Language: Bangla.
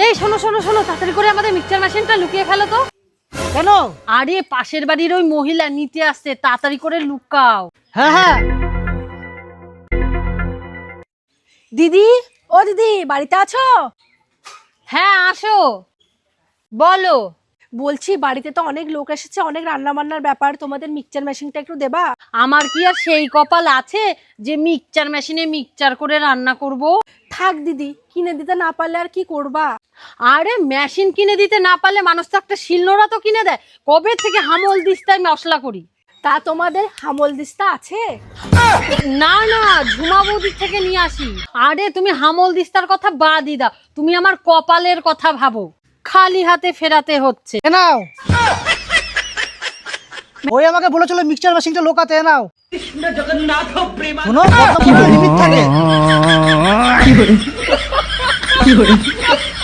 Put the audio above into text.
এই শোনো শোনো শোনো, তাড়াতাড়ি করে আমাদের মিক্সচার মেশিনটা লুকিয়ে ফেলো তো। কেন? আরে পাশের বাড়ির ওই মহিলা নিতে আসছে, তাড়াতাড়ি করে লুকাও। হ্যাঁ হ্যাঁ। দিদি, ও দিদি, বাড়িতে আছো? হ্যাঁ আসো, বলো। বলছি বাড়িতে তো অনেক লোক এসেছে, অনেক রান্না বান্নার ব্যাপার, তোমাদের মিক্সচার মেশিনটা একটু দেবা? আমার কি আর সেই কপাল আছে যে মিক্সচার মেশিনে মিক্সচার করে রান্না করব? থাক দিদি, কিনে দিতে না পারলে আর কি করবা? আরে মেশিন কিনে দিতে না পারলে মানুষ তো একটা শিলনোড়া তো কিনে দেয়। কবে থেকে হামল দিস্তায় মশলা করি। তা তোমাদের হামল দিস্তা আছে? না না, ঝুমা বৌদির থেকে নিয়ে আসি। আরে তুমি হামল দিস্তার কথা বাদই দাও, তুমি আমার কপালের কথা ভাবো। খালি হাতে ফেরাতে হচ্ছে। এ নাও। ওই আমাকে বলেছিল মিক্সচার মেশিনটা লোকাতে, এ নাও। শোনো, লিমিট থাকে।